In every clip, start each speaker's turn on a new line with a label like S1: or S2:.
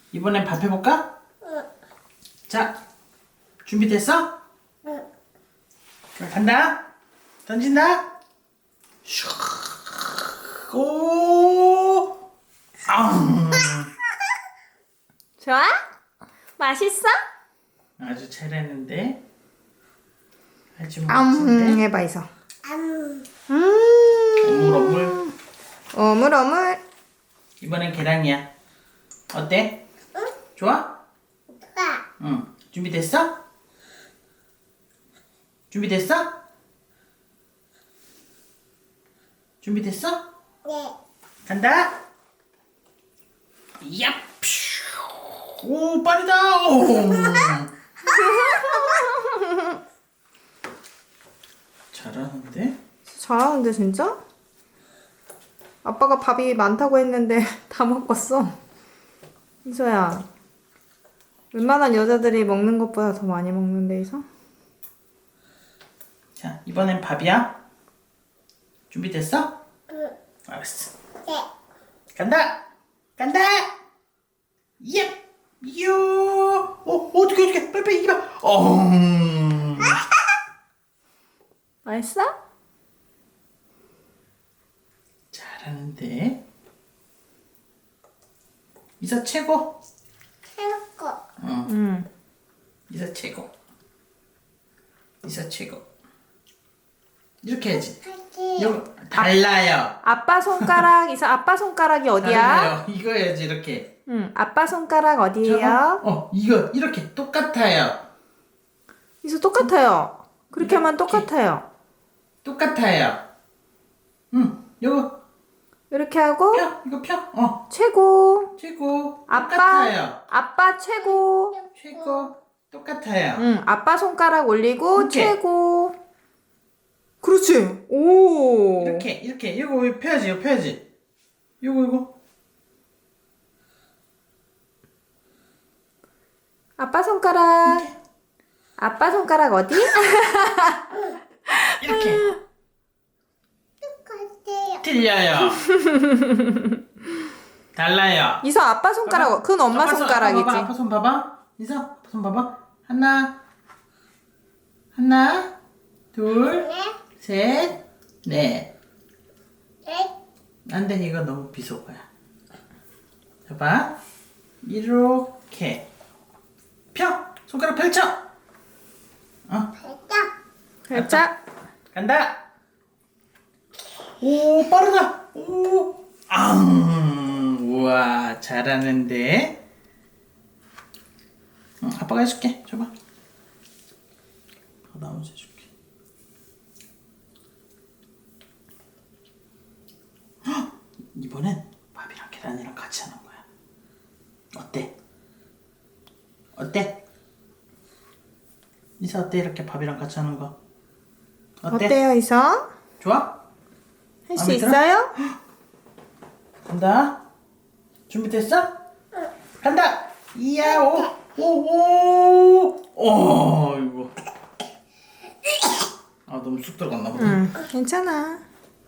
S1: 이번엔 밥 해볼까?
S2: 응.
S1: 자, 준비됐어?
S2: 응.
S1: 그럼 간다. 던진다. 슉. 오.
S3: 좋아? 맛있어?
S1: 아주 잘했는데. 아주 멋진데.
S3: 해봐 이서.
S2: 음.
S1: 어물어물.
S3: 어물어물.
S1: 이번엔 계란이야. 어때?
S2: 응?
S1: 좋아?
S2: 좋아.
S1: 응. 준비됐어? 준비됐어? 준비됐어?
S2: 네.
S1: 간다. 얍. 오, 빠르다. 오. 잘하는데?
S3: 잘하는데 진짜? 아빠가 밥이 많다고 했는데 다 먹었어. 이서야. 웬만한 여자들이 먹는 것보다 더 많이 먹는데 이서?
S1: 자, 이번엔 밥이야. 준비됐어?
S2: 응.
S1: 알았어.
S2: 네.
S1: 간다. 간다. 얍. 요. 어떻게 빨리 이봐.
S3: 맛있어?
S1: 잘하는데. 이사 최고.
S2: 해놓고.
S3: 응.
S1: 이사 최고. 이사 최고. 이렇게 해야지.
S2: 할게.
S1: 이거 달라요.
S3: 아빠 손가락 이서 아빠 손가락이 어디야?
S1: 달라요. 이거 해야지 이렇게.
S3: 응. 아빠 손가락 어디예요?
S1: 저거? 이거 이렇게 똑같아요.
S3: 이서 똑같아요. 그렇게 하면 똑같아요.
S1: 똑같아요. 이거
S3: 이렇게 하고
S1: 펴. 이거 펴.
S3: 최고.
S1: 최고.
S3: 아빠
S1: 똑같아요.
S3: 아빠 최고.
S1: 최고. 똑같아요.
S3: 응. 아빠 손가락 올리고
S1: 이렇게.
S3: 최고. 그렇지. 오.
S1: 이렇게 이거 펴야지. 이거 펴야지. 이거.
S3: 아빠 손가락. 아빠 손가락 어디?
S1: 이렇게.
S2: 똑같아요.
S1: 틀려요. 달라요.
S3: 이서 아빠 손가락. 그건 엄마
S1: 아빠
S3: 손가락이지.
S1: 아빠 손 봐봐. 이서 아빠 손 봐봐. 하나, 둘,
S2: 네.
S1: 셋, 넷.
S2: 네.
S1: 안 돼, 이거 너무 비속어야. 봐봐. 이렇게. 펴! 손가락 펼쳐!
S2: 살짝.
S3: 살짝.
S1: 간다! 오, 빠르다! 오! 우와, 잘하는데? 아빠가 해줄게. 줘봐. 나머지 해줄게. 헉! 이번엔 밥이랑 계란이랑 같이 하는 거야. 어때? 어때? 이사 어때? 이렇게 밥이랑 같이 하는 거. 어때?
S3: 어때요, 이서?
S1: 좋아?
S3: 할 수
S1: 마음에 들어?
S3: 있어요?
S1: 간다. 준비됐어? 간다. 이야, 이거. 너무 쑥 들어갔나 보다.
S3: 응. 괜찮아.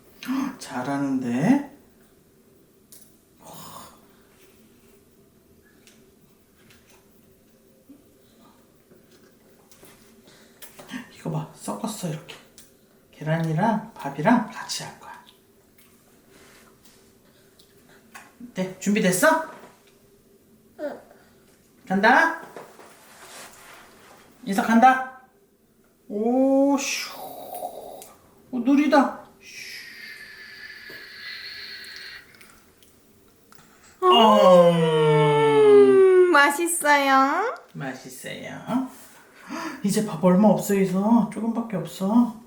S1: 잘하는데. 이거 봐, 섞었어 이렇게. 계란이랑 밥이랑 같이 할 거야. 네, 준비됐어?
S2: 응.
S1: 간다. 인사 간다. 오, 슈. 느리다.
S3: 맛있어요.
S1: 맛있어요. 이제 밥 얼마 없어, 있어. 조금밖에 없어.